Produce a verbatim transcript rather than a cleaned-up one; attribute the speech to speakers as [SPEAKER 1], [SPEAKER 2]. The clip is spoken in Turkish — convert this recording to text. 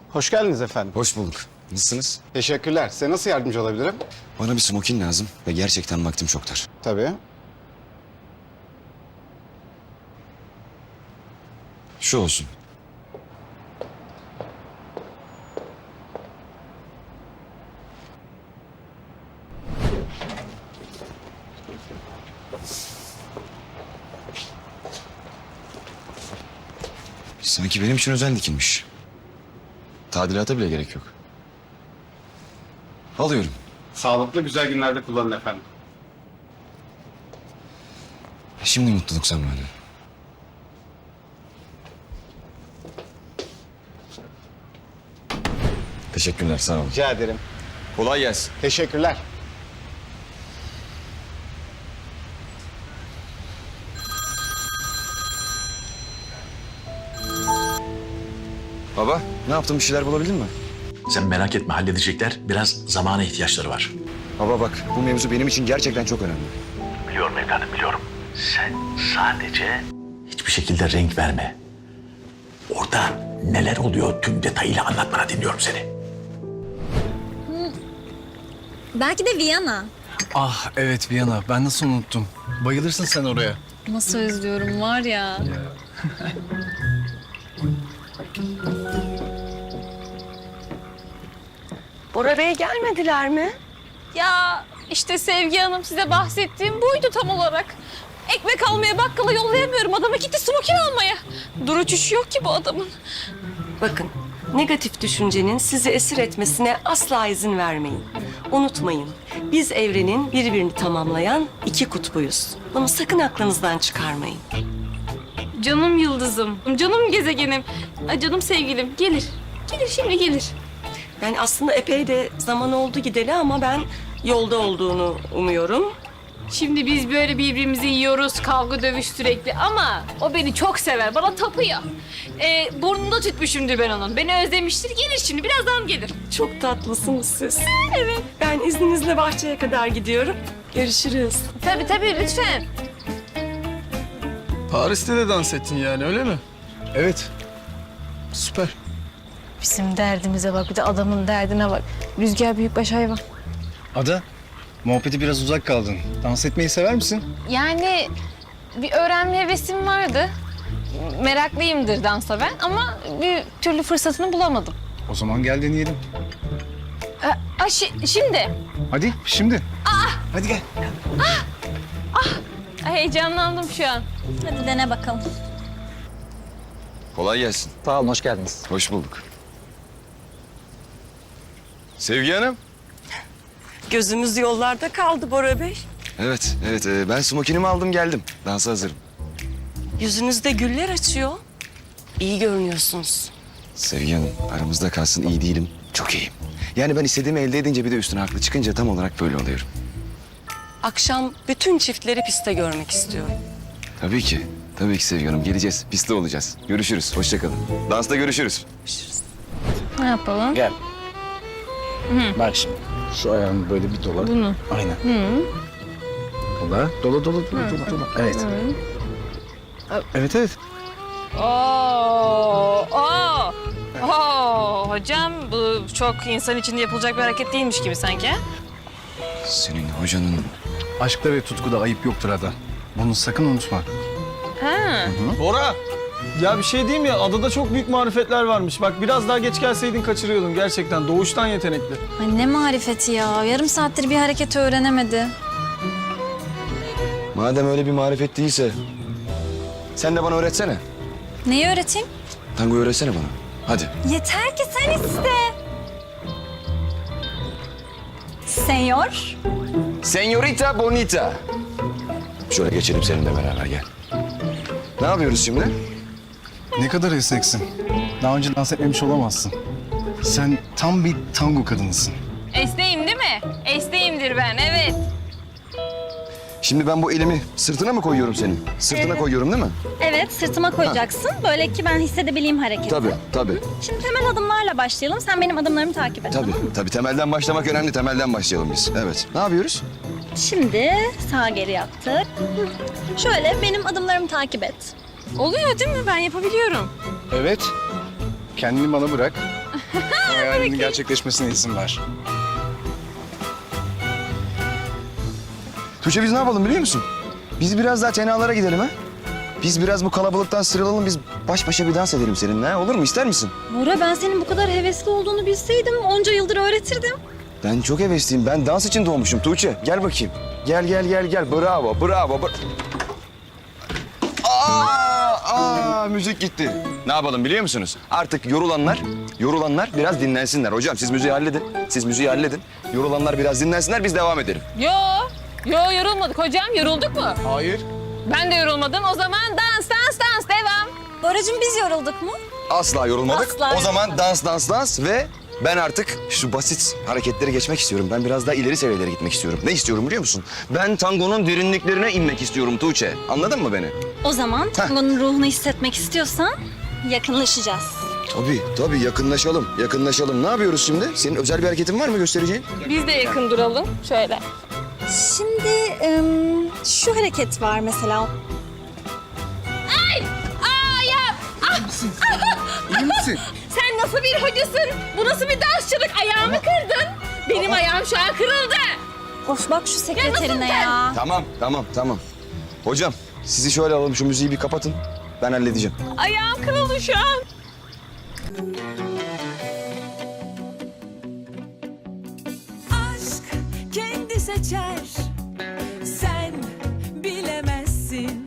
[SPEAKER 1] Hoş geldiniz efendim.
[SPEAKER 2] Hoş bulduk. Nasılsınız?
[SPEAKER 1] Teşekkürler. Size nasıl yardımcı olabilirim?
[SPEAKER 2] Bana bir smokin lazım ve gerçekten vaktim çok dar.
[SPEAKER 1] Tabii.
[SPEAKER 2] Şu olsun. Sanki benim için özel dikilmiş. Tadilata bile gerek yok. Alıyorum.
[SPEAKER 1] Sağlıklı güzel günlerde kullanın efendim.
[SPEAKER 2] Şimdi mutluluk zamanı. Teşekkürler, sağ olun.
[SPEAKER 1] Rica ederim.
[SPEAKER 2] Kolay gelsin.
[SPEAKER 1] Teşekkürler.
[SPEAKER 2] Baba, ne yaptın? Bir şeyler bulabildin mi?
[SPEAKER 3] Sen merak etme, halledecekler. Biraz zamana ihtiyaçları var.
[SPEAKER 2] Baba bak, bu mevzu benim için gerçekten çok önemli.
[SPEAKER 3] Biliyorum evladım, biliyorum. Sen sadece hiçbir şekilde renk verme. Orada neler oluyor tüm detayıyla anlatmana dinliyorum seni.
[SPEAKER 4] Belki de Viyana.
[SPEAKER 5] Ah evet Viyana. Ben nasıl unuttum. Bayılırsın sen oraya.
[SPEAKER 4] Nasıl özlüyorum var ya.
[SPEAKER 6] Bora Bey gelmediler mi?
[SPEAKER 7] Ya işte Sevgi Hanım size bahsettiğim buydu tam olarak. Ekmek almaya bakkala yollayamıyorum. Adamı gitti smokin almaya. Dur uçuşu yok ki bu adamın.
[SPEAKER 6] Bakın, negatif düşüncenin sizi esir etmesine asla izin vermeyin. Unutmayın, biz evrenin birbirini tamamlayan iki kutbuyuz. Bunu sakın aklınızdan çıkarmayın.
[SPEAKER 7] Canım yıldızım, canım gezegenim, ay canım sevgilim gelir. Gelir şimdi gelir.
[SPEAKER 6] Yani aslında epey de zaman oldu gideli ama ben yolda olduğunu umuyorum.
[SPEAKER 7] Şimdi biz böyle birbirimizi yiyoruz, kavga dövüş sürekli ama o beni çok sever, bana tapıyor. Ee, burnunda tütmüşümdür ben onun. Beni özlemiştir, gelir şimdi, birazdan gelir.
[SPEAKER 6] Çok tatlısınız siz. Evet. Ben izninizle bahçeye kadar gidiyorum. Görüşürüz.
[SPEAKER 7] Tabii tabii, lütfen.
[SPEAKER 5] Paris'te de dans ettin yani öyle mi? Evet. Süper.
[SPEAKER 7] Bizim derdimize bak, bir de adamın derdine bak. Rüzgar büyükbaş hayvan.
[SPEAKER 5] Ada, muhabbeti biraz uzak kaldın. Dans etmeyi sever misin?
[SPEAKER 7] Yani bir öğrenme hevesim vardı. Meraklıyımdır dansa ben ama bir türlü fırsatını bulamadım.
[SPEAKER 5] O zaman gel deneyelim.
[SPEAKER 7] Aa, aa, şi- şimdi.
[SPEAKER 5] Hadi şimdi. Hadi gel.
[SPEAKER 7] Ay, heyecanlandım şu an.
[SPEAKER 4] Hadi dene bakalım.
[SPEAKER 2] Kolay gelsin.
[SPEAKER 8] Sağ olun, hoş geldiniz.
[SPEAKER 2] Hoş bulduk. Sevgi Hanım.
[SPEAKER 6] Gözümüz yollarda kaldı Bora Bey.
[SPEAKER 2] Evet, evet. e, ben smokinimi aldım geldim. Dansa hazırım.
[SPEAKER 6] Yüzünüzde güller açıyor. İyi görünüyorsunuz.
[SPEAKER 2] Sevgi Hanım, aramızda kalsın iyi değilim. Çok iyiyim. Yani ben istediğimi elde edince bir de üstüne haklı çıkınca tam olarak böyle oluyorum.
[SPEAKER 6] Akşam bütün çiftleri piste görmek istiyorum.
[SPEAKER 2] Tabii ki. Tabii ki Sevgi Hanım. Geleceğiz. Pistte olacağız. Görüşürüz. Hoşça kalın. Dansta görüşürüz.
[SPEAKER 7] Ne yapalım?
[SPEAKER 8] Gel. Bak şimdi. Şu ayağını böyle bir dola.
[SPEAKER 7] Bunu.
[SPEAKER 8] Aynen. Hı. Dola. Dola, dola, dola, dola, dola. Evet.
[SPEAKER 5] Evet evet.
[SPEAKER 7] Oo, oo. Oo, hocam bu çok insan içinde yapılacak bir hareket değilmiş gibi sanki.
[SPEAKER 2] Senin hocanın...
[SPEAKER 5] Aşkta ve tutkuda ayıp yoktur Ada. Bunu sakın unutma.
[SPEAKER 7] Ha.
[SPEAKER 9] Bora, ya bir şey diyeyim ya, adada çok büyük marifetler varmış. Bak biraz daha geç gelseydin kaçırıyordun gerçekten. Doğuştan yetenekli.
[SPEAKER 4] Ay ne marifeti ya. Yarım saattir bir hareket öğrenemedi.
[SPEAKER 2] Madem öyle bir marifet değilse... Sen de bana öğretsene.
[SPEAKER 4] Neyi öğreteyim?
[SPEAKER 2] Tango öğretsene bana. Hadi.
[SPEAKER 4] Yeter ki sen iste. Senyor.
[SPEAKER 2] Señorita Bonita. Şöyle geçelim seninle beraber gel. Ne yapıyoruz şimdi?
[SPEAKER 5] Ne kadar esneksin. Daha önce dans etmemiş olamazsın. Sen tam bir tango kadınısın.
[SPEAKER 7] Esneyim değil mi? Esneyimdir ben, evet.
[SPEAKER 2] Şimdi ben bu elimi sırtına mı koyuyorum senin? Sırtına koyuyorum değil mi?
[SPEAKER 4] Evet, sırtıma koyacaksın. Böyle ki ben hissedebileyim hareketi.
[SPEAKER 2] Tabii, tabii.
[SPEAKER 4] Şimdi temel adımlarla başlayalım. Sen benim adımlarımı takip et.
[SPEAKER 2] Tabii,
[SPEAKER 4] Tamam mı?
[SPEAKER 2] tabii. Temelden başlamak önemli. Temelden başlayalım biz. Evet. Ne yapıyoruz?
[SPEAKER 4] Şimdi sağ geri yaptık. Hı. Şöyle benim adımlarımı takip et.
[SPEAKER 7] Oluyor değil mi? Ben yapabiliyorum.
[SPEAKER 5] Evet. Kendini bana bırak. Hayalinin gerçekleşmesine izin ver.
[SPEAKER 2] Tuğçe biz ne yapalım biliyor musun? Biz biraz daha tenalara gidelim ha? Biz biraz bu kalabalıktan sıyrılalım, biz baş başa bir dans edelim seninle ha? Olur mu, ister misin?
[SPEAKER 4] Bora, ben senin bu kadar hevesli olduğunu bilseydim onca yıldır öğretirdim.
[SPEAKER 2] Ben çok hevesliyim, ben dans için doğmuşum Tuğçe. Gel bakayım. Gel gel gel gel, bravo bravo. bra- Aa, aa, müzik gitti. Ne yapalım biliyor musunuz? Artık yorulanlar, yorulanlar biraz dinlensinler. Hocam siz müziği halledin, siz müziği halledin. Yorulanlar biraz dinlensinler, biz devam edelim.
[SPEAKER 7] Yo, yo yorulmadık hocam. Yorulduk mu?
[SPEAKER 5] Hayır.
[SPEAKER 7] Ben de yorulmadım. O zaman dans, dans, dans. Devam.
[SPEAKER 4] Boracığım, biz yorulduk mu?
[SPEAKER 2] Asla yorulmadık.
[SPEAKER 4] Asla
[SPEAKER 2] o zaman
[SPEAKER 4] yorulmadık.
[SPEAKER 2] dans dans dans ve ben artık şu basit hareketleri geçmek istiyorum. Ben biraz daha ileri seviyelere gitmek istiyorum. Ne istiyorum biliyor musun? Ben tangonun derinliklerine inmek istiyorum Tuğçe. Anladın mı beni?
[SPEAKER 4] O zaman tangonun ruhunu hissetmek istiyorsan yakınlaşacağız.
[SPEAKER 2] Tabii tabii yakınlaşalım. Yakınlaşalım. Ne yapıyoruz şimdi? Senin özel bir hareketin var mı göstereceğin?
[SPEAKER 7] Biz de yakın duralım. Şöyle.
[SPEAKER 4] Şimdi ım, şu hareket var mesela.
[SPEAKER 7] Aa ya!
[SPEAKER 5] İyi misin?
[SPEAKER 7] Sen nasıl bir hocasın? Bu nasıl bir dansçılık? Ayağımı kırdın. Benim ayağım şu an kırıldı.
[SPEAKER 4] Of, bak şu sekreterine
[SPEAKER 7] sen?
[SPEAKER 4] ya.
[SPEAKER 2] Tamam tamam tamam. Hocam sizi şöyle alalım, şu müziği bir kapatın. Ben halledeceğim.
[SPEAKER 7] Ayağım kırıldı şu an.
[SPEAKER 6] Aşk kendi seçer